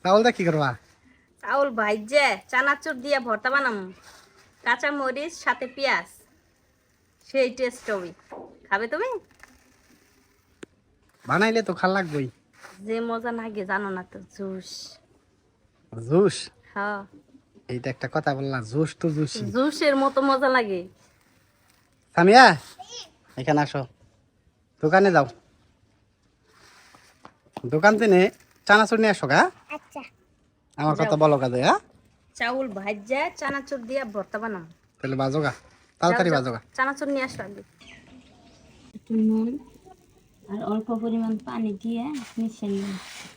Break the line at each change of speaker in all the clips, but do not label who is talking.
চাউল দা কি করবা?
চাউল ভাইজে চানাচুর দিয়ে ভর্তা বানাম, কাঁচা মরিচ সাথে পেঁয়াজ, সেই টেস্ট হবে। খাবে তুমি?
বানাইলে তো খাল লাগবেই।
যে মজা লাগে জানো না তো, জুস।
জুস?
হ্যাঁ,
এইটা একটা কথা বললা, জুস তো জুসই।
জুসের মতো মজা লাগে।
সামিয়া এখানে আসো, দোকানে যাও, দোকান থেকে চানাচুর নিয়ে আসো গা।
আচ্ছা
আমার কথা
যাও।
বলো কাজে। হ্যাঁ,
চাউল ভাইজে চানাচুর দিয়ে ভর্তা বানাম।
তাহলে বাজো গা, তাড়াতাড়ি বাজো গা।
চানাচুর নিয়ে আসো আগে। একটু নুন আর অল্প পরিমাণ পানি দিয়ে মিশিয়ে নিন।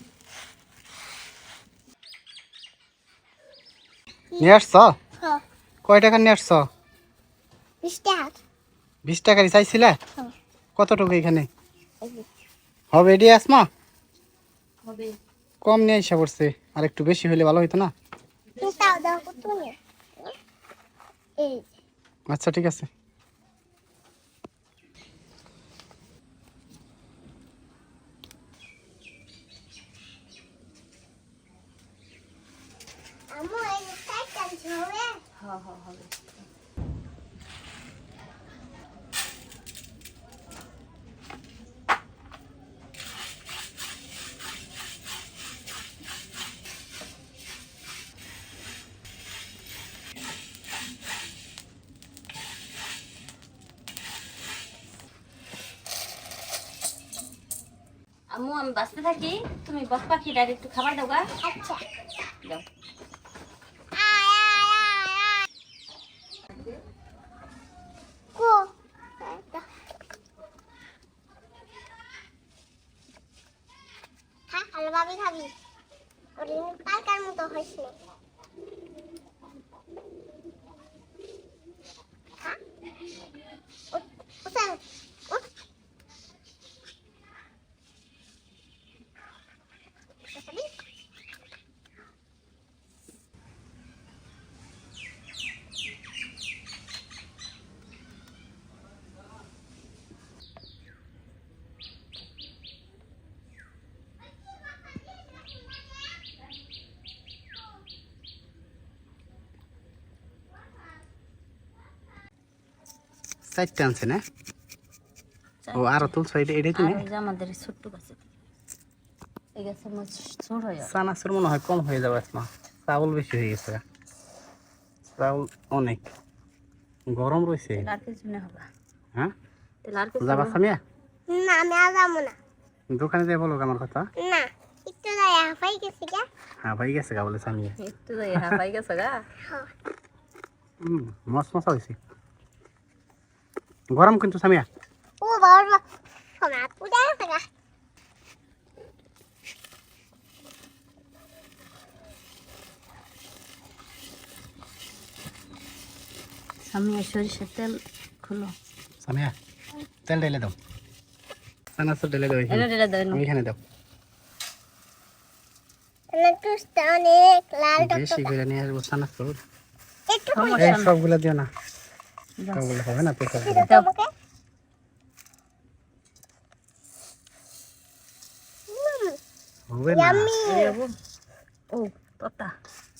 নিয়ে আসছ?
হ্যাঁ
কয় টাকা নিয়ে আসছ?
20 টাকা
20 টাকারই চাইছিলে?
হ্যাঁ
কতটুকু এখানে হবে এডি আসমা?
হবে।
কম নিয়ে এসে পড়ছে, আর একটু বেশি হলে ভালো হইতো না?
তাও দাও কত নিয়ে এই
আচ্ছা ঠিক আছে।
আমু এই টাইটান ঝরে
হ্যাঁ হ্যাঁ হবে। আম্মু আমি বাঁচতে থাকি, তুমি বক পাখিটার একটু খাবার দাও গা।
আচ্ছা
দাও।
কো হ্যাঁ আলো ভাবি খাবি ওরে পালকার মতো হইছে হ্যাঁ ওটা
চারটে আনছে না? ও আরো তুলছো, এটাই তো
আর
নেই।
ওই যে আমাদের এই ছোট্ট গাছে, এই গাছের মধ্যে ছোট হয়ে যাবে।
চানাচুর মনে হয় কম হয়ে যাবে আসমা, চাউল বেশি হয়ে গেছে। চাউল অনেক গরম রয়েছে।
তেল আর কিছু না হবে।
হ্যাঁ
তেল আর কিছু
যাবা
না।
সামিয়া?
না আমি আর যাবো না
দোকানে যাই বলো আমার কথা।
না একটু যাই হাফাই গেছে গা
হ্যাঁ ভাই গেছে গা বলে সামিয়া।
একটু যাই হ্যাঁ পাই গেছে গা।
হ্যাঁ
মশ মশা হয়েছে, গরম কিন্তু সামিয়া।
ও বাবা সোনা পুরা গেছে গা
আমি সরিষার তেল খুলো।
সামিয়া তেল ঢেলে দাও, চানাচুর ঢেলে দাও
এনে ঢেলে দাও, এনে।
এইখানে দাও।
টুসটা অনেক লাল
বেশি
টকটকা
করে নিয়ে আসবো চানাচুর।
একটু
সমস্যা
এই
না।
সবগুলো দিও না,
দাও।
সবগুলো হবে না তো সবগুলো।
দিতে তোমাকে
হবে না।
ইয়াম্মি
ও তোতা